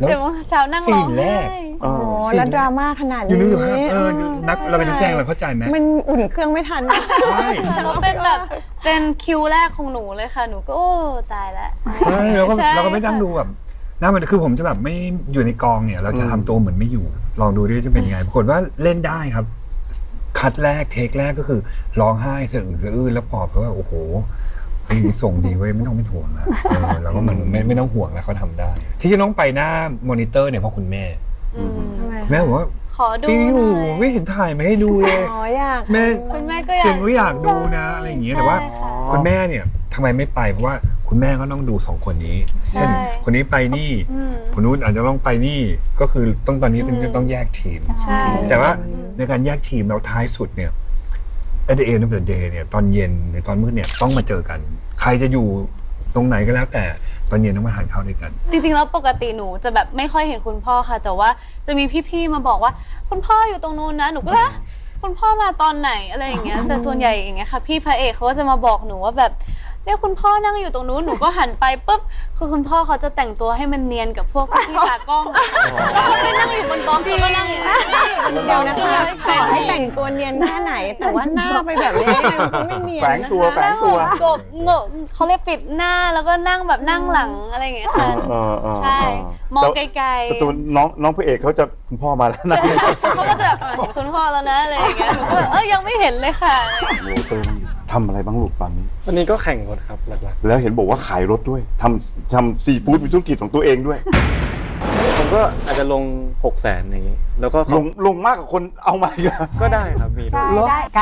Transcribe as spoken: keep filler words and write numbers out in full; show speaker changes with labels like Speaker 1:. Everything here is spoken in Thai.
Speaker 1: เจ็ดโมงเช้านั่งร้องไห้
Speaker 2: โอ้โหแล้วดราม่าขนาดนี้
Speaker 3: อยู่นึกถึงภาพเออนักเราเป็นนักแสดงเราเข้าใจไหม
Speaker 2: มันอุ่นเครื่องไม่ทัน
Speaker 3: ใช่
Speaker 1: แล้วเป็นแบบเป็นคิวแรกของหนูเลยค่ะหนูก็โอ้ตายแล้ว
Speaker 3: ใช่เราก็
Speaker 1: ใช่
Speaker 3: เราก็ไม่นั่งดูแบบน่ามันคือผมจะแบบไม่อยู่ในกองเนี่ย เราจะทำตัวเหมือนไม่อยู่ ลองดูดิจะเป็นไงปรากฏว่าเล่นได้ครับ คัดแรกเทคแรกก็คือร้องไห้สะอึกสะอื้นแล้วปอบเขาว่าโอ้โหไอ้นี่ส่งดีเว้ยไม่ต้องไม่ห่วงนะเออเราก็มันไม่ไม่ต้องห่วงแล้วเขาทำได้ ที่จะต้องไปหน้ามอนิเตอร์เนี่ยเพราะคุณแม่
Speaker 1: อืม
Speaker 3: แม่บอกว่า
Speaker 1: ขอดู
Speaker 3: ตีอ
Speaker 1: ห
Speaker 3: ยู่
Speaker 1: น่อย
Speaker 3: ไม่เห็นถ่ายมาให้ดูเลย
Speaker 2: อ๋ออยาก
Speaker 3: แม่
Speaker 1: คุณแม่ก็อยาก
Speaker 3: เจนก็อยากดูนะอะไรอย่างเงี้ยแต่ว่า
Speaker 1: ใช่ค่ะ
Speaker 3: คุณแม่เนี่ยทำไมไม่ไปเพราะว่าคุณแม่ก็ต้องดูสองคนนี้
Speaker 1: ใช่
Speaker 3: เช่นคนนี้ไปนี่
Speaker 1: อืม
Speaker 3: คนนู้นอาจจะต้องไปนี่ก็คือต้องตอนนี้ต้อง
Speaker 1: อืม
Speaker 3: ต้องแยกทีม
Speaker 1: ใช่
Speaker 3: แต่ว่าในการแยกทีมแล้วท้ายสุดเนี่ย at the end of the day เนี่ยตอนเย็นหรือตอนมืดเนี่ยต้องมาเจอกัน ใครจะอยู่ตรงไหนก็แล้วแต่ตอนเย็นต้องมาทานข้าวด้วยกัน
Speaker 1: จริงๆแล้วปกติหนูจะแบบไม่ค่อยเห็นคุณพ่อค่ะ แต่ว่าจะมีพี่ๆมาบอกว่าคุณพ่ออยู่ตรงนู้นนะหนูก็เลยคุณพ่อมาตอนไหนอะไรอย่างเงี้ยแต่ส่วนใหญ่อย่างเงี้ยค่ะพี่พระเอกเขาก็จะมาบอกหนูว่าแบบเนี่ยคุณพ่อนั่งอยู่ตรงนู้นหนูก็หันไปปุ๊บคือคุณพ่อเขาจะแต่งตัวให้มันเนียนกับพวกพี่ๆตากล้องแล้วเขาไม่นั่งอยู่บนกองเขาก็นั่งอยู่นั่งอยู่บน
Speaker 2: เดี๋
Speaker 1: ก
Speaker 2: ย
Speaker 1: อ
Speaker 2: ว
Speaker 1: ง
Speaker 2: นะ
Speaker 1: ใช่
Speaker 2: คะ
Speaker 1: ใช่
Speaker 2: ขอให้แต่งตัวเนียนแค่ไหน แต่ว่าหน้าไปแบบนี้มันก็ไม่เนียน
Speaker 4: แฝง
Speaker 2: นะคะ
Speaker 4: ตัวแฝงตัว
Speaker 1: กบเงอะเขาเรียกปิดหน้าแล้วก็นั่งแบบนั่งหลังอะไรอย่างเงี้ยค่ะ
Speaker 4: เออเออ
Speaker 1: ใช่
Speaker 4: เออ
Speaker 1: มอง
Speaker 4: แต่
Speaker 1: ไกล
Speaker 4: แต่ตัวน้องน้องพระเอกเขาจะคุณพ่อมาแล้วนะ
Speaker 1: ๆเขาก็จะแบบเออเห็นคุณพ่อแล้วนะอะไรอย่างเงี้ยหนูก็แบบเออยังไม่เห็นเลยค่ะ
Speaker 4: โอ้เติมทำอะไรบ้างลูกตอนนี้
Speaker 5: วันนี้ก็แข่งรถครับหลัก
Speaker 4: แล้วเห็นบอกว่าขายรถด้วยทำทำซีฟู้ดมีธุรกิจของตัวเองด้วย
Speaker 5: ๆผมก็อาจจะลงหกแสนอย่างนี้ แล้วก็
Speaker 4: ลงลงมากกว่าคนเอามาอีกอะ
Speaker 5: ก็ได้ครับมีด้วย
Speaker 4: เหรอ
Speaker 2: ได้